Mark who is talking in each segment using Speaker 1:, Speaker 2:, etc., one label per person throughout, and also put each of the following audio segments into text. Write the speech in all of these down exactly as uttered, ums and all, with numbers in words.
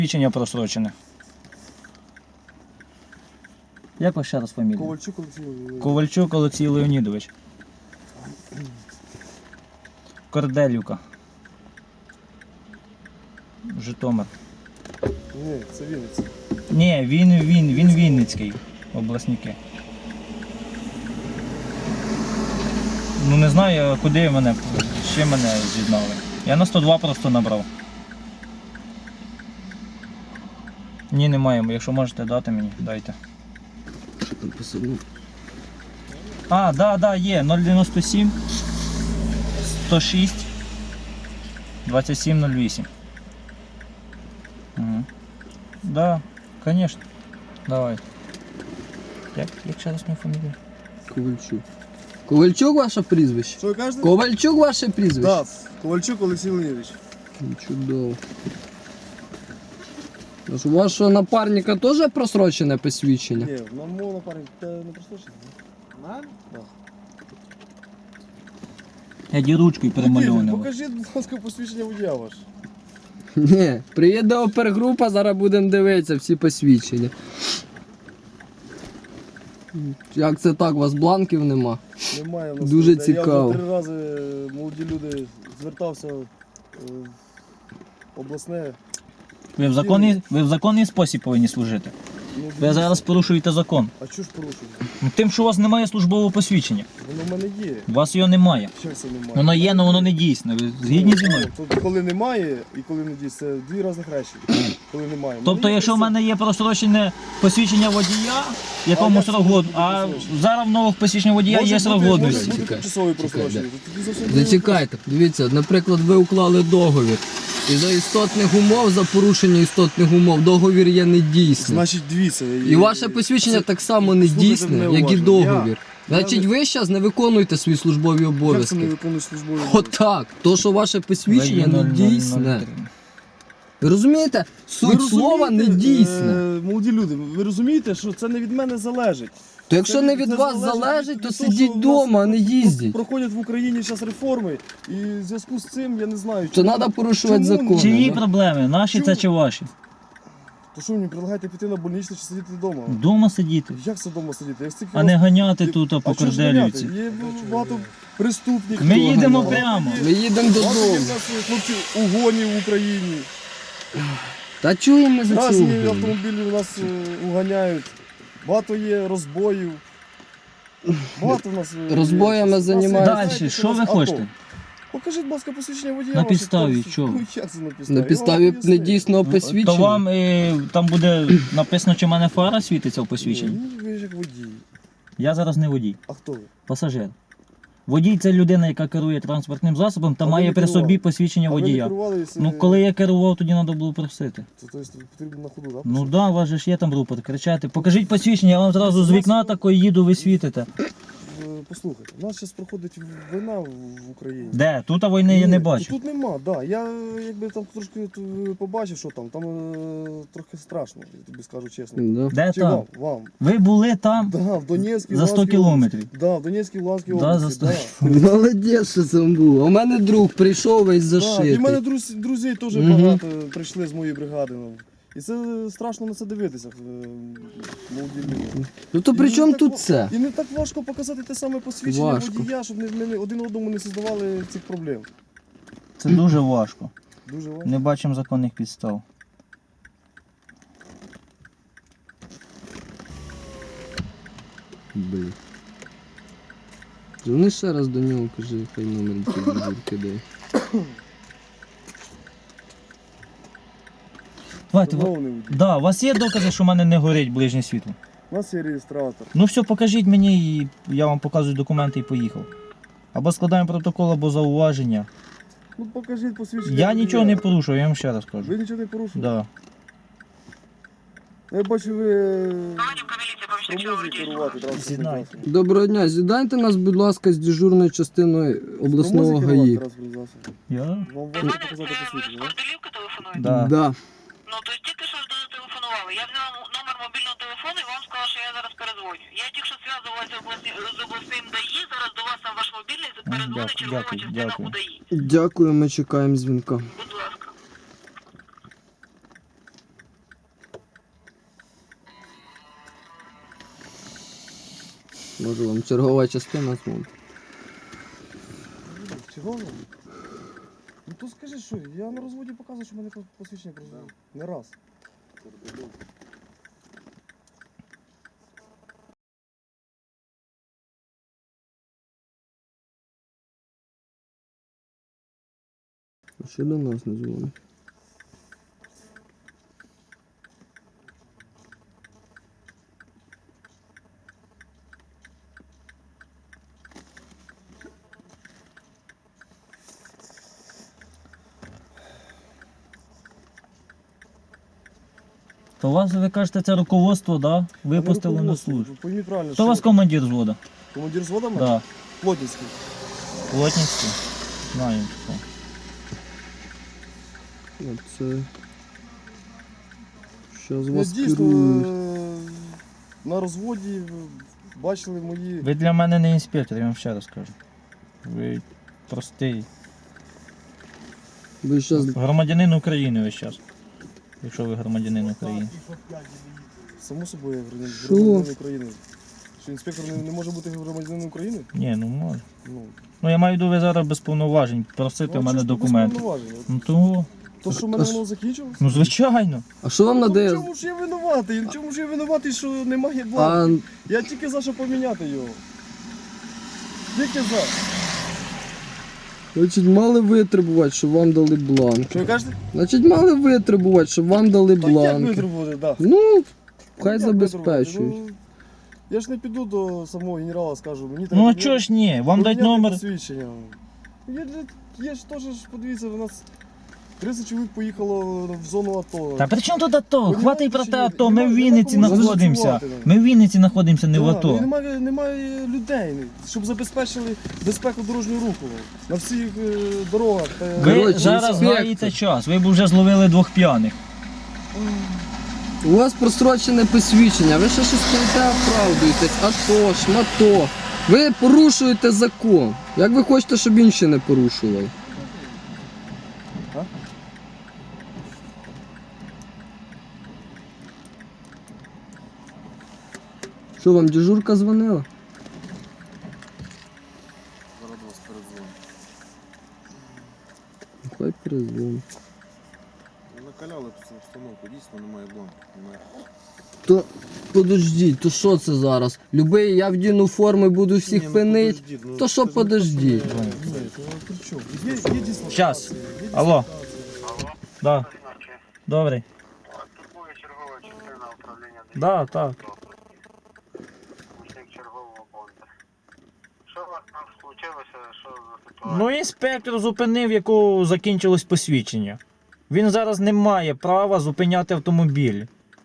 Speaker 1: Посвідчення просрочене. Як вас ще раз фамілія?
Speaker 2: Ковальчук Олексій Леонідович.
Speaker 1: Ковальчук Олексій Леонідович. Корделюка. Житомир.
Speaker 2: Ні, це Вінниця.
Speaker 1: Ні, він, він, він Вінницький. Обласники. Ну не знаю, куди мене, ще мене з'єднали. Я на сто два просто набрав. Ні, немає, якщо можете дати мені, дайте.
Speaker 3: Що там посадив?
Speaker 1: А, да, да, є, нуль дев'яносто сім, сто шість, двадцять сім нуль вісім. Угу. Да, конечно. Давай. Як, як ще раз моя фамілія?
Speaker 3: Ковальчук. Ковальчук ваше прізвище?
Speaker 2: Що ви кажете?
Speaker 3: Ковальчук ваше прізвище?
Speaker 2: Так, Ковальчук Олексій Леонідович.
Speaker 3: Ну, чудово. Тож у вашого напарника теж просрочене посвідчення?
Speaker 2: Ні, на мого напарник те не прослушав. На? Так.
Speaker 1: Я ді ручкою перемальований.
Speaker 2: Покажіть, будь ласка, посвідчення водія ваше.
Speaker 3: Ні, приїде опергрупа, зараз будемо дивитися всі посвідчення. Як це так, у вас бланків нема?
Speaker 2: Немає у нас.
Speaker 3: Дуже
Speaker 2: Я
Speaker 3: цікаво.
Speaker 2: вже три рази молоді люди звертався е, в обласне.
Speaker 1: Ви в законний, ви в законний спосіб повинні служити.
Speaker 2: Ну,
Speaker 1: Ви
Speaker 2: дивіться.
Speaker 1: зараз порушуєте закон.
Speaker 2: А що ж порушуєте?
Speaker 1: Ну, тим, що у вас немає службового посвідчення.
Speaker 2: Воно в мене є.
Speaker 1: У вас його немає.
Speaker 2: Як це немає?
Speaker 1: Воно є, але воно не дійсне. Ви згідні зі мною?
Speaker 2: Тут коли немає і коли не дійсно, це дві різних речі. Коли немає.
Speaker 1: Тобто,
Speaker 2: Мені
Speaker 1: якщо в
Speaker 2: це-
Speaker 1: мене є просрочене посвідчення водія, якому
Speaker 2: як це
Speaker 1: срок
Speaker 2: може
Speaker 1: год,
Speaker 2: бути
Speaker 1: а
Speaker 2: просрочене?
Speaker 1: зараз в нових посвідчення водія
Speaker 2: Може
Speaker 1: є
Speaker 2: бути-
Speaker 1: срок
Speaker 2: може
Speaker 1: годності.
Speaker 2: бути
Speaker 3: Чекай,
Speaker 2: тимчасовий
Speaker 3: чекай,
Speaker 2: просрочений.
Speaker 3: да.
Speaker 2: Тоді зовсім не-
Speaker 3: Зачекайте, дивіться, наприклад, ви уклали договір. І за істотних умов, за порушення істотних умов, договір є недійсним.
Speaker 2: Значить, дивіться.
Speaker 3: І ваше посвідчення
Speaker 2: це-
Speaker 3: так само не
Speaker 2: Слухайте
Speaker 3: дійсне,
Speaker 2: мене
Speaker 3: як і
Speaker 2: уважно.
Speaker 3: договір.
Speaker 2: Я-
Speaker 3: Значить,
Speaker 2: я
Speaker 3: ви зараз не виконуєте свої службові
Speaker 2: Як це не
Speaker 3: обов'язки.
Speaker 2: виконує службові обов'язки?
Speaker 3: Отак. То, що ваше посвідчення не дійсне. Ви розумієте?
Speaker 2: Ви
Speaker 3: Суть слова не
Speaker 2: розумієте,
Speaker 3: дійсне.
Speaker 2: е, молоді люди, ви розумієте, що це не від мене залежить.
Speaker 3: То якщо
Speaker 2: Це
Speaker 3: не
Speaker 2: від-
Speaker 3: від
Speaker 2: це
Speaker 3: вас
Speaker 2: залежить
Speaker 3: залежить,
Speaker 2: від
Speaker 3: то
Speaker 2: того,
Speaker 3: сидіть
Speaker 2: що в нас
Speaker 3: вдома, а не їздіть.
Speaker 2: Проходять в Україні зараз реформи, і в зв'язку з цим я не знаю.
Speaker 3: То
Speaker 2: чому-
Speaker 3: треба порушувати
Speaker 2: чому-
Speaker 3: закони.
Speaker 1: Чиї
Speaker 3: да?
Speaker 1: проблеми? Наші це
Speaker 2: Чому?
Speaker 1: чи ваші?
Speaker 2: То що мені предлагаєте піти на больничне чи сидіти вдома?
Speaker 1: Вдома сидіти,
Speaker 2: Як це вдома сидіти? Я стільки
Speaker 1: а не
Speaker 2: раз-
Speaker 1: ганяти тут
Speaker 2: А
Speaker 1: по
Speaker 2: чого ж
Speaker 1: Корделівці.
Speaker 2: ганяти? Є багато преступників.
Speaker 1: Ми їдемо
Speaker 2: Багато
Speaker 1: прямо.
Speaker 2: є-
Speaker 3: Ми їдемо
Speaker 2: багато є
Speaker 3: додому.
Speaker 2: в нас хлопці угонів в Україні.
Speaker 3: Та чуємо ми за ці
Speaker 2: Разні
Speaker 3: угони.
Speaker 2: автомобілі у нас е, уганяють. Багато є розбоїв. Багато в нас е,
Speaker 3: Розбоями
Speaker 2: є. Нас-
Speaker 3: займаються.
Speaker 2: знаєте,
Speaker 1: Далі, що
Speaker 2: у нас
Speaker 1: ви
Speaker 2: авто.
Speaker 1: хочете?
Speaker 2: Покажіть, будь ласка, посвідчення водія.
Speaker 1: На
Speaker 2: ваше,
Speaker 1: підставі
Speaker 2: хто-
Speaker 1: чого?
Speaker 2: Ну, як це на підставі?
Speaker 3: На
Speaker 2: Я
Speaker 3: підставі
Speaker 2: вам поясню.
Speaker 3: недійсного
Speaker 1: То
Speaker 3: посвідчення.
Speaker 1: вам е, там буде написано, чи в мене фара світиться в посвідченні.
Speaker 2: Ні, ви ж як водій.
Speaker 1: Я зараз не водій,
Speaker 2: А хто ви?
Speaker 1: пасажир. Водій це людина, яка керує транспортним засобом та
Speaker 2: А ви
Speaker 1: має
Speaker 2: не
Speaker 1: при
Speaker 2: керували?
Speaker 1: собі посвідчення
Speaker 2: А ви не
Speaker 1: водія.
Speaker 2: керували, якщо-
Speaker 1: Ну коли я керував, тоді треба було просити.
Speaker 2: Це, то есть, потрібно на ходу, так?
Speaker 1: Ну так, да, у вас же ж є там рупор, кричати. Покажіть посвідчення, я вам зразу з вікна такої їду, ви світите.
Speaker 2: Послухайте, у нас зараз проходить війна в в Україні.
Speaker 1: Де? Тут а війни я не
Speaker 2: Ні,
Speaker 1: бачу.
Speaker 2: Тут нема, так. Да. Я якби там трошки е, побачив, що там, там е, трохи страшно, я тобі скажу чесно.
Speaker 3: Да.
Speaker 1: Де
Speaker 2: Чи
Speaker 1: там?
Speaker 2: вам? Вам.
Speaker 1: Ви були там?
Speaker 2: Да, в Донецькій,
Speaker 1: За сто
Speaker 2: Луганській
Speaker 1: кілометрів.
Speaker 2: області. Да, в Донецькій, Луганській
Speaker 1: Да,
Speaker 2: області.
Speaker 1: за сто.
Speaker 2: Да.
Speaker 3: Молодець, що це було. У мене друг прийшов весь
Speaker 2: Да. І
Speaker 3: зашитий.
Speaker 2: в мене друзі, друзі теж
Speaker 3: Мгм.
Speaker 2: багато прийшли з моєї бригади. ну. І це страшно на це дивитися, е, молоді люди.
Speaker 3: Ну то
Speaker 2: І
Speaker 3: при
Speaker 2: не
Speaker 3: чому
Speaker 2: так
Speaker 3: тут
Speaker 2: ва-
Speaker 3: це?
Speaker 2: І не так важко показати те саме посвідчення
Speaker 3: Важко.
Speaker 2: водія, щоб не- ми не- один одному не создавали цих проблем.
Speaker 1: Це дуже важко.
Speaker 2: Дуже важко.
Speaker 1: Не бачимо законних підстав.
Speaker 3: Блін. Дзвони ще раз до нього, кажи, хай номер телефону кидає.
Speaker 1: Давайте, ви-
Speaker 2: Шановний водій,
Speaker 1: да, у вас є докази, що в мене не горить ближнє світло?
Speaker 2: у нас є реєстратор.
Speaker 1: Ну все, покажіть мені, і я вам показую документи і поїхав. Або складаємо протокол, або зауваження.
Speaker 2: Ну покажіть посвідчення.
Speaker 1: Я
Speaker 2: водія.
Speaker 1: нічого не порушую, я вам ще раз кажу.
Speaker 2: Ви нічого не порушили?
Speaker 1: Да.
Speaker 2: Я бачу, ви спроможні керувати транспортним
Speaker 1: Зізнайте.
Speaker 2: засобом.
Speaker 3: Доброго дня, зідайте нас, будь ласка, з дежурною частиною обласного
Speaker 2: Спроможні керувати
Speaker 3: ГАІ.
Speaker 2: транспортним засобом?
Speaker 1: Я?
Speaker 2: Вам важко показати посвідчення, так?
Speaker 4: Корделівка телефонує?
Speaker 1: Да.
Speaker 3: Да.
Speaker 4: Ну, то есть тільки що ж телефонували. Я взяла номер мобільного телефону і вам сказала, що я зараз передзвоню. Я тільки що зв'язувалася обласні- з обласним ДАІ, зараз до вас на ваш мобільний передзвонить
Speaker 1: Дякую,
Speaker 4: чергова
Speaker 1: дякую,
Speaker 4: частина
Speaker 1: дякую.
Speaker 4: УДАІ.
Speaker 3: Дякую, ми чекаємо дзвінка.
Speaker 4: Будь ласка.
Speaker 3: Може вам чергова частина зможе.
Speaker 2: Чого? Ну то скажи, що я на розводі показую, що в мене посвідчення про не раз.
Speaker 3: А що до нас не дзвонить?
Speaker 1: То вас, ви кажете, це руководство, да? Випустили на
Speaker 2: руководство.
Speaker 1: службу.
Speaker 2: Пойміть правильно,
Speaker 1: Хто у вас командир взводу?
Speaker 2: командир взвода мене?
Speaker 1: Да.
Speaker 2: Плотницький.
Speaker 1: Плотницький? Знаю, хто.
Speaker 3: Оце... Щас
Speaker 2: Я
Speaker 3: вас
Speaker 2: дійсно
Speaker 3: керують.
Speaker 2: е, на розводі е, бачили мої...
Speaker 1: Ви для мене не інспектор, я вам ще раз кажу. Ви простий
Speaker 3: Ви щас...
Speaker 1: громадянин України весь час. Якщо ви громадянин України.
Speaker 2: Само собою я громадянин
Speaker 3: Що?
Speaker 2: громадянин України. Що інспектор не, не може бути громадянином України?
Speaker 1: Ні, ну може.
Speaker 2: Ну,
Speaker 1: Ну я маю в виду, ви зараз без повноважень просите
Speaker 2: ну,
Speaker 1: в мене
Speaker 2: чисто без
Speaker 1: документи.
Speaker 2: повноважень. От
Speaker 1: Ну того.
Speaker 2: То, що в
Speaker 3: А
Speaker 2: мене
Speaker 3: ж-
Speaker 2: воно закінчилось?
Speaker 1: Ну звичайно.
Speaker 3: А що вам
Speaker 2: Ну, в
Speaker 3: надає?
Speaker 2: чому ж я винуватий? В чому ж я винуватий, що немає
Speaker 3: А,
Speaker 2: бланків? Я тільки за що поміняти його. Тільки за.
Speaker 3: значить, мали витребувати, щоб вам дали бланк.
Speaker 2: Що ви кажете?
Speaker 3: Значить, мали витребувати, щоб вам дали
Speaker 2: Так як
Speaker 3: бланк.
Speaker 2: витребувати, так.
Speaker 3: Ну, хай
Speaker 2: Як
Speaker 3: забезпечують.
Speaker 2: витребувати? Ну, я ж не піду до самого генерала, скажу, мені треба...
Speaker 1: Ну а
Speaker 2: поміняти-
Speaker 1: чого ж ні? Вам дать
Speaker 2: поміняти
Speaker 1: номер.
Speaker 2: посвідчення. Є, для- є ж теж, ж, подивіться, у нас тридцять чоловік поїхало в зону АТО.
Speaker 1: Та при чому тут АТО?
Speaker 2: Понімаєте,
Speaker 1: Хватить про
Speaker 2: чи
Speaker 1: те
Speaker 2: ні?
Speaker 1: АТО. Ми
Speaker 2: Нема-
Speaker 1: в
Speaker 2: нема
Speaker 1: Вінниці
Speaker 2: кому
Speaker 1: знаходимося.
Speaker 2: застосувати.
Speaker 1: Ми в Вінниці знаходимося, не в
Speaker 2: Да,
Speaker 1: АТО.
Speaker 2: ну, і немає, немає людей, щоб забезпечили безпеку дорожнього руху на всіх е, дорогах. та-
Speaker 1: Ви
Speaker 3: Коротше,
Speaker 1: зараз
Speaker 3: інспектор.
Speaker 1: гаєте час. Ви б вже зловили двох п'яних.
Speaker 3: У вас прострочене посвідчення, ви ще щось стоїте, оправдуєтесь, АТО, шмато. Ви порушуєте закон. Як ви хочете, щоб інші не порушували?
Speaker 2: А?
Speaker 3: Що вам дежурка дзвонила?
Speaker 2: Зараз до вас передзвоню.
Speaker 3: Хай перезвонить.
Speaker 2: Накаляли цю установку, дійсно немає бланку. Немає.
Speaker 3: То подождіть, то що це зараз? Любий, я вдіну форми, буду всіх
Speaker 2: ну,
Speaker 3: пинить. То що подождіть?
Speaker 2: Ні, то при чому? Є, є дислокація.
Speaker 1: Щас.
Speaker 2: є
Speaker 1: Алло.
Speaker 2: дислокація.
Speaker 1: Да. Добрий.
Speaker 4: Турбує чергова частина управління
Speaker 1: Да, так.
Speaker 4: Помічник чергового бонда. Що у вас там случилося? Що за ситуація?
Speaker 1: Ну інспектор зупинив, якого закінчилось посвідчення. Він зараз не має права зупиняти автомобіль.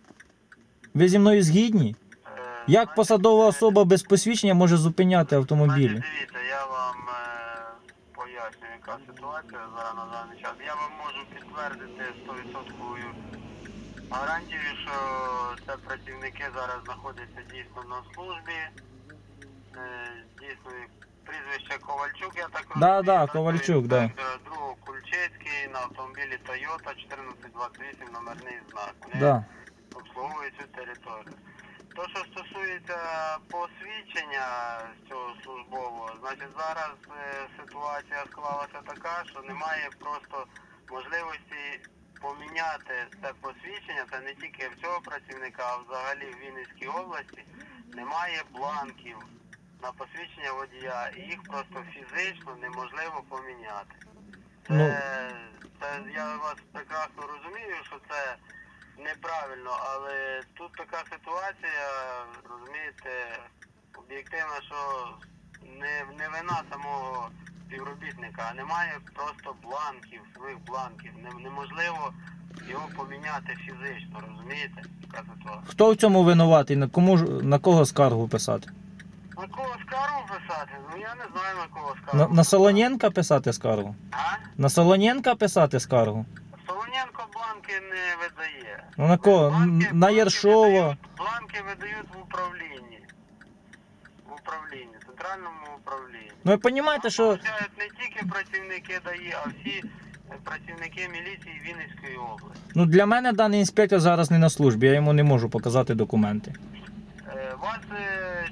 Speaker 1: Ви зі мною згідні?
Speaker 4: Е,
Speaker 1: Як посадова особа без посвідчення може зупиняти автомобілі?
Speaker 4: Значить, дивіться, я вам е, поясню, яка ситуація зараз на даний час. Я вам можу підтвердити сто відсотків гарантію, що це працівники зараз знаходяться дійсно на службі. Е, дійсно, прізвище Ковальчук, я так
Speaker 1: Да,
Speaker 4: розумію.
Speaker 1: да,
Speaker 4: так,
Speaker 1: Ковальчук, да.
Speaker 4: інспектора другого Кульчицький на автомобілі Toyota чотирнадцять двадцять вісім номерний знак. Вони
Speaker 1: Да.
Speaker 4: обслуговує цю територію. То, що стосується посвідчення цього службового, значить зараз е, ситуація склалася така, що немає просто можливості поміняти це посвідчення, це не тільки в цього працівника, а взагалі в Вінницькій області немає бланків на посвідчення водія, і їх просто фізично неможливо поміняти. Це,
Speaker 1: Ну.
Speaker 4: це я вас прекрасно розумію, що це неправильно, але тут така ситуація, розумієте, об'єктивна, що не, не вина самого співробітника, а немає просто бланків, своїх бланків. Не- неможливо його поміняти фізично, розумієте, яка ситуація.
Speaker 1: Хто в цьому винуватий? На кому ж- на кого скаргу писати?
Speaker 4: На кого скаргу писати? Ну я не знаю на кого скаргу.
Speaker 1: На, на Солоненка писати скаргу?
Speaker 4: А?
Speaker 1: На Солоненка писати скаргу?
Speaker 4: Солоненко бланки не видає.
Speaker 1: Ну на кого?
Speaker 4: Бланки-
Speaker 1: Н- На
Speaker 4: бланки
Speaker 1: Єршова?
Speaker 4: видають- Бланки видають в управлінні. В управлінні, центральному управлінні.
Speaker 1: Ну ви розумієте, що
Speaker 4: Получають не тільки працівники ДАІ, а всі е, працівники міліції Вінницької області.
Speaker 1: ну, для мене даний інспектор зараз не на службі, я йому не можу показати документи.
Speaker 4: Е, Вас е, чого зупиняють?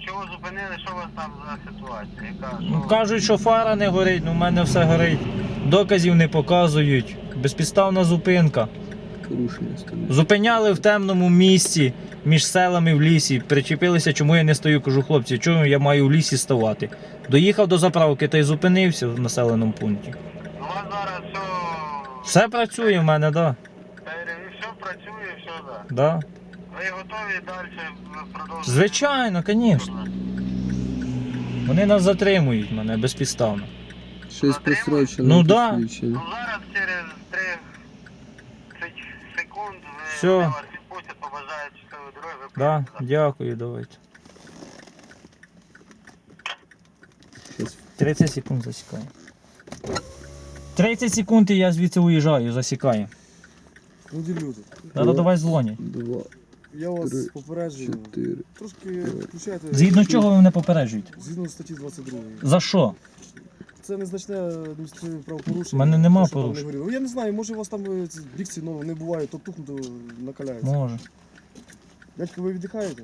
Speaker 4: зупинили, що у вас там за ситуація? Яка,
Speaker 1: Ну,
Speaker 4: що...
Speaker 1: кажуть, що фара не горить, ну в мене все горить. Доказів не показують. Безпідставна зупинка.
Speaker 3: Порушення становить.
Speaker 1: Зупиняли в темному місці між селами в лісі. Причепилися, чому я не стою. Кажу, хлопці, чому я маю в лісі ставати? Доїхав до заправки та й зупинився в населеному пункті.
Speaker 4: У вас зараз все...
Speaker 1: Все працює в мене, так. Да.
Speaker 4: Все працює, все, так. Да.
Speaker 1: Да.
Speaker 4: Ви готові далі продовжувати?
Speaker 1: Звичайно, звісно. Вони нас затримують, мене безпідставно.
Speaker 3: Ще й прострочене
Speaker 1: Ну, да.
Speaker 3: посвідчення.
Speaker 4: Ну зараз через тридцять секунд ви
Speaker 1: Все.
Speaker 4: вони вас відпустять, побажають щасливої дороги, ви
Speaker 1: Да,
Speaker 4: поїдете завтра.
Speaker 1: дякую, давайте.
Speaker 3: Щас.
Speaker 1: тридцять секунд засікаю. тридцять секунд і я звідси уїжджаю, засікаю.
Speaker 2: Люди, люди.
Speaker 1: Зараз давай дзвонять.
Speaker 3: Два,
Speaker 2: Я вас
Speaker 3: Три,
Speaker 2: попереджую.
Speaker 3: чотири.
Speaker 2: Трошки включайте.
Speaker 1: Згідно чого ви мене попереджуєте?
Speaker 2: Згідно статті двадцять два.
Speaker 1: За що?
Speaker 2: Це незначне адміністративне правопорушення.
Speaker 1: У мене нема
Speaker 2: Те, що там не
Speaker 1: порушень.
Speaker 2: горіло. Ну, я не знаю, може у вас там е, ці дикції ну, не буває, то тухнуто накаляється.
Speaker 1: Може.
Speaker 2: Дядько, ви віддихаєте?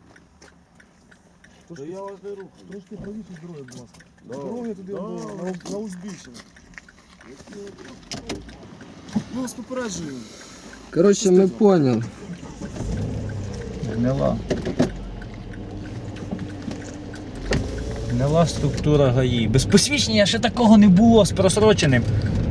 Speaker 2: Трошки, я вас не рухаю. Трошки правіше здоров'я, будь ласка. Дороги туди до- на, на узбіччя. Ми вас попереджуємо.
Speaker 3: Коротше, ми поняли.
Speaker 1: Гнила. Гнила структура ГАІ. Без посвідчення ще такого не було з просроченим.